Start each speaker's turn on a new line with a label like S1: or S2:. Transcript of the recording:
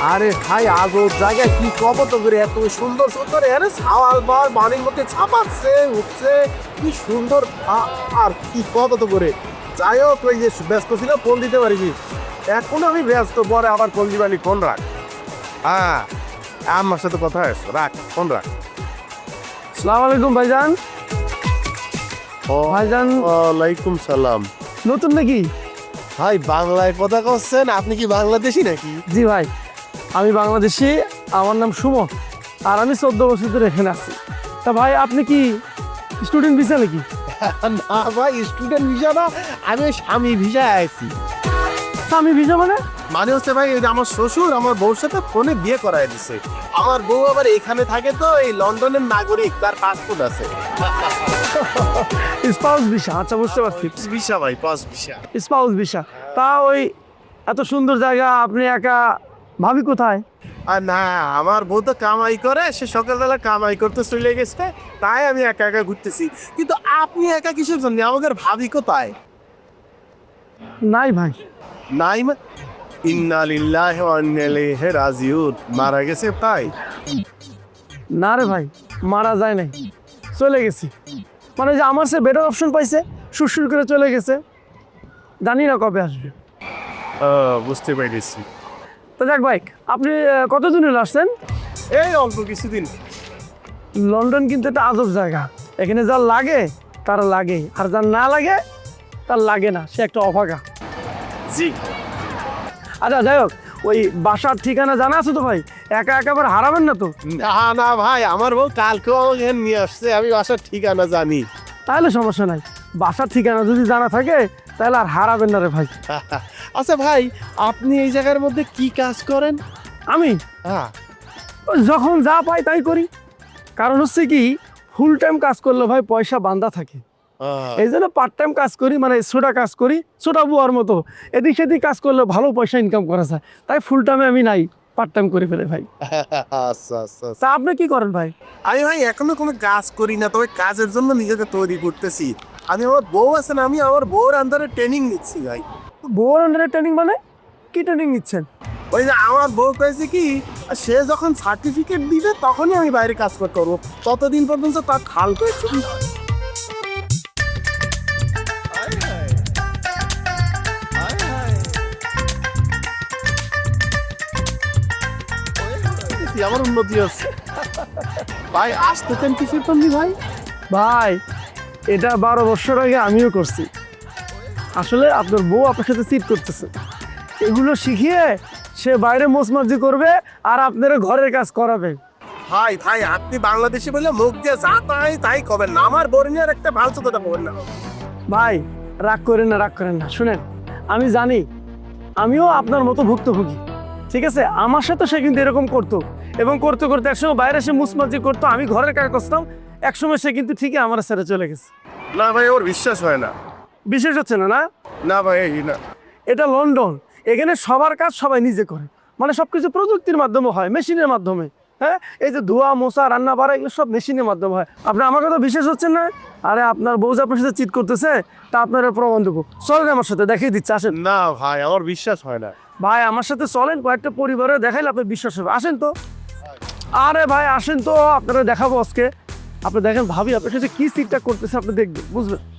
S1: আরে ভাই আজব জায়গা কি কব তো করে এত সুন্দর সুন্দর আরে সাওয়াল বার বাড়ির মধ্যে ছাপাচ্ছে উঠছে কি সুন্দর আর কি কব তো করে যাই হোক ওই যে ব্যস্ত ছিল ফোন দিতে পারিনি এখন আমি ব্যস্ত পরে আবার ফোন দিবানি ফোন রাখ হ্যাঁ আমার সাথে কথা আছে রাখ ফোন রাখ
S2: আসসালামু আলাইকুম ভাইজান। ভাইজান
S1: ওয়ালাইকুম সালাম
S2: নতুন নাকি?
S1: ভাই বাংলায় কথা করছেন আপনি কি বাংলাদেশি নাকি
S2: জি ভাই, আমি বাংলাদেশি, আমার নাম সুমন আর আমি 14 বছর ধরে এখানে আছি। তা ভাই আপনি কি স্টুডেন্ট ভিসা নাকি?
S1: না ভাই স্টুডেন্ট ভিসা না আমি ওই স্বামী ভিসায় আছি
S2: আমি ভিসা মানে?
S1: মানে হচ্ছে ভাই এই যে আমার শ্বশুর আমার বউর সাথে ফোনে বিয়ে করায় দিছে আমার বউ আবার এখানে থাকে তো এই লন্ডনের নাগরিক তার পাসপোর্ট আছে
S2: স্পাউস ভিসা। আচ্ছা বুঝতে পারছি,
S1: ভিসা ভাই পাস ভিসা
S2: স্পাউস ভিসা। তা ওই এত সুন্দর জায়গা আপনি একা, ভাবি কোথায়?
S1: আর না আমার বউ তো কামাই করে সে সকালবেলা কামাই করতে চলে গেছে তাই আমি একা একা ঘুরতেছি কিন্তু আপনি একা কিসের জন্য আমাদের ভাবি কোথায়
S2: নাই ভাই।
S1: নাই ইন্না লিল্লাহি ওয়া ইন্না ইলাইহি রাজিউন মারা গেছে তাই
S2: না রে ভাই, মারা যায় নাই, চলে গেছি। মানে যে আমার সে বেটার অপশন পাইছে, সুরসুর করে চলে গেছে, জানি না কবে আসবে।
S1: বুঝতে পেরেছি
S2: তো যাক ভাই, আপনি কতদিন হলো আসছেন?
S1: এই অল্প কিছুদিন
S2: লন্ডন কিন্তু একটা আজব জায়গা, এখানে যার লাগে তার লাগে, আর যার না লাগে তার লাগে না, সে একটা অভাগা।
S1: জি
S2: আচ্ছা যাই হোক, ওই বাসার ঠিকানা জানা আছে তো ভাই? একা একেবারে হারাবেন না তো?
S1: না না ভাই আমার বউ কালকেও আমাকে এখানে নিয়ে আসছে আমি বাসার ঠিকানা জানি
S2: তাহলে সমস্যা নাই, বাসার ঠিকানা যদি জানা থাকে তাহলে আর হারাবেন না রে ভাই।
S1: আচ্ছা ভাই আপনি এই জায়গার মধ্যে কি কাজ করেন
S2: আমি
S1: হ্যাঁ
S2: ওই যখন যা পাই তাই করি, কারণ হচ্ছে কি ফুল টাইম কাজ করলে ভাই পয়সা বান্ধা থাকে, এই জন্য পার্ট টাইম কাজ করি, মানে ছোটা কাজ করি, ছোটা বুয়ার মতো এদিক সেদিক কাজ করলে ভালো পয়সা ইনকাম করা যায়, তাই ফুল টাইমে আমি নাই, পার্ট টাইম করে ফেলে ভাই।
S1: আচ্ছা আচ্ছা
S2: তা আপনি কি করেন ভাই?
S1: আমি ভাই এখনো কোনো কাজ করি না তবে কাজের জন্য নিজেকে তৈরি করতেছি আমি আমার বউ আছে না আমি আমার বউর আন্ডারে ট্রেনিং নিচ্ছি ভাই
S2: বউর আন্ডারে ট্রেনিং মানে কি ট্রেনিং নিচ্ছেন?
S1: ওই যে আমার বউ কয়েছে কি সে যখন সার্টিফিকেট দিবে তখনই আমি বাইরে কাজ করতে পারবো ততদিন পর্যন্ত তার খাল করে চুরি আমার উন্নতি আছে ভাই আসতেছেন কিসের জন্য ভাই
S2: ভাই এটা 12 বছর আগে আমিও করছি, আসলে আপনার বউ আপনার সাথে চিট করতেছে, এগুলো শিখিয়ে সে বাইরে মোচমার্জি করবে আর আপনারা ঘরের কাজ করাবে।
S1: ভাই ভাই আপনি বাংলাদেশি বলে মুখ দিয়ে যা তাই তাই করবেন না আমার বরিনিয়ার একটা ভালো কথা বলবেন না
S2: ভাই রাগ করেন না, রাগ করেন না, শুনেন আমি জানি আমিও আপনার মতো ভুক্তভোগী, ঠিক আছে? আমার সাথে সে কিন্তু এরকম করতো এবং করতে করতে একসময় বাইরে সে মুচমার্জি করতো, আমি ঘরের কাজ করতাম, একসময় সে কিন্তু ঠিকই আমার ছেড়ে চলে গেছে।
S1: না ভাই ওর বিশ্বাস হয় না
S2: বিশেষ হচ্ছে না, না
S1: না ভাই এই না
S2: এটা লন্ডন, এখানে সবার কাজ সবাই নিজে করে, মানে সবকিছু প্রযুক্তির মাধ্যমে হয়, মেশিনের মাধ্যমে। হ্যাঁ, এই যে ধোয়া মোছা রান্না বাড়া এগুলো সব মেশিনের মাধ্যমে হয়। আপনি আমার কথা বিশেষ হচ্ছেন না? আরে আপনার বউ যে আপনার সাথে চিট করতেছে তা আপনার প্রমাণ দেবো, চলেন আমার সাথে, দেখিয়ে দিচ্ছে, আসেন।
S1: না ভাই আমার বিশ্বাস হয় না
S2: ভাই আমার সাথে চলেন, কয়েকটা পরিবারে দেখাইলে আপনার বিশ্বাস হবে, আসেন তো। আরে ভাই আসেন তো, আপনারা দেখাবো আজকে। আপনি দেখেন ভাবি আপনার সাথে কি চিটটা করতেছে, আপনি দেখবেন, বুঝবেন।